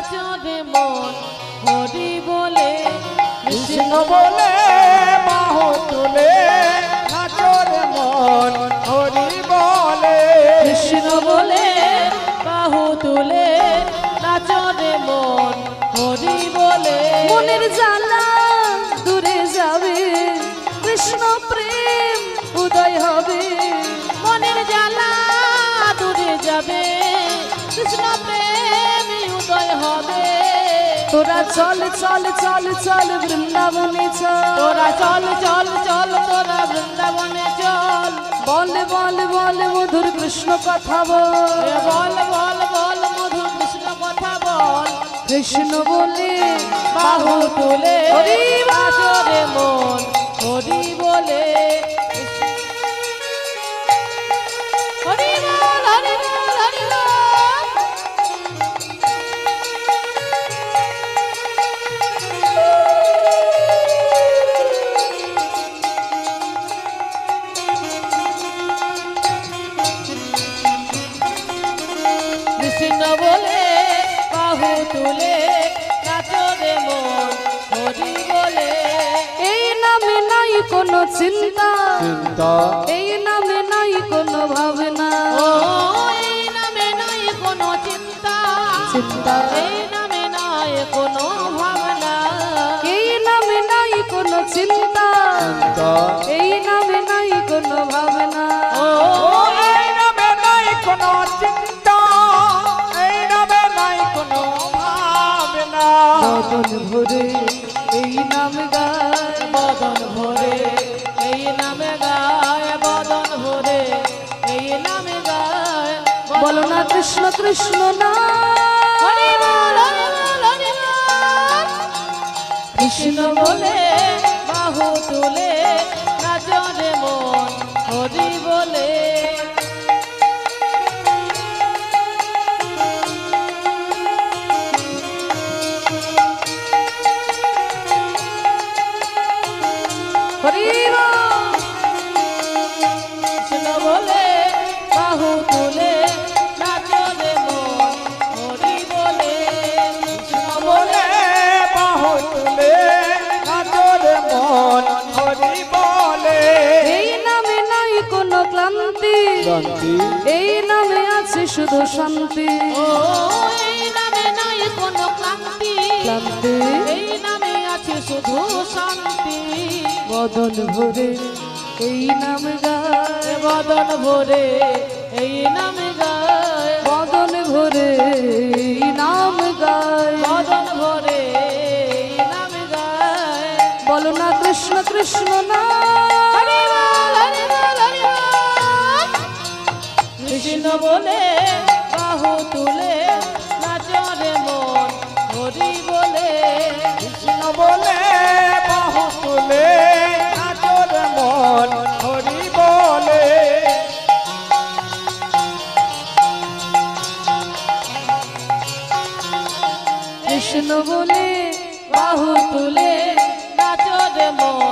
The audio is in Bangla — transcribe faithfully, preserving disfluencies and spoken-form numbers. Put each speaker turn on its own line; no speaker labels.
নাচো রে মন হরি বলে
কৃষ্ণ বলে বাহু তুলে নাচো রে মন হরি বলে
কৃষ্ণ বলে বাহু তুলে নাচো রে মন হরি বলে
মনের জ্বালা দূরে যাবে কৃষ্ণ প্রেম উদয় হবে
মনের জ্বালা দূরে যাবে কৃষ্ণ প্রেম উদয় হবে
তোরা চল চল চল চল বৃন্দাবনে চল
তোরা চল চল চল তোরা বৃন্দাবনে চল
বল বল বল মধুর কৃষ্ণ কথা বল
এ বল বল বল মধুর কৃষ্ণ কথা বল
কৃষ্ণ বলে
বাহু তুলে
হরি বল।
নাচো রে মন হরি বলে হরি বল হরি বল হরি বল কৃষ্ণ বলে বাহু তুলে নাচো রে মন হরি বলে
এই নামে নাই কোনো চিন্তা
চিন্তা
এই নামে নাই কোনো ভাবনা
ও এই নামে নাই কোনো চিন্তা
চিন্তা
এই নামে নাই কোনো ভাবনা
এই নামে নাই কোনো চিন্তা
চিন্তা
এই নামে নাই কোনো ভাবনা
ও
ও এই নামে নাই কোনো চিন্তা এই নামে নাই কোনো ভাবনা
বদন ভরে এই নাম গায়
বদন ভরে এই নামে গায় বদন ভরে এই নামে গায়
বলো না কৃষ্ণ কৃষ্ণ না
হরি বল হরি বল হরি বল কৃষ্ণ বলে বাহু তুলে নাচো রে মন হরি বলে
হরি বল।
কৃষ্ণ বলে বাহু তুলে নাচো রে মন হরি বলে কৃষ্ণ বলে
বলে বাহু তুলে নাচো রে মন হরি বলে
এই নামে নাই কোনো ক্লান্তি
শান্তি
এই নামে আছে শুধু শান্তি
ও এই নামে নাই কোনো ক্লান্তি
ক্লান্তি
এই নামে আছে শুধু শান্তি
বদন ভরে এই নাম গায়
এ বদন ভরে এই নামে গায়
বদন ভরে এই নাম গায়
বদন ভরে এই নামে গায়
বলো না কৃষ্ণ কৃষ্ণ না
হরি বল হরি বল হরি বল কৃষ্ণ বলে বাহু তুলে নাচো রে মন হরি বলে
কৃষ্ণ বলে বাহু তুলে নাচো রে মন হরি বলে
কৃষ্ণ বলে
বাহু তুলে নাচো রে মন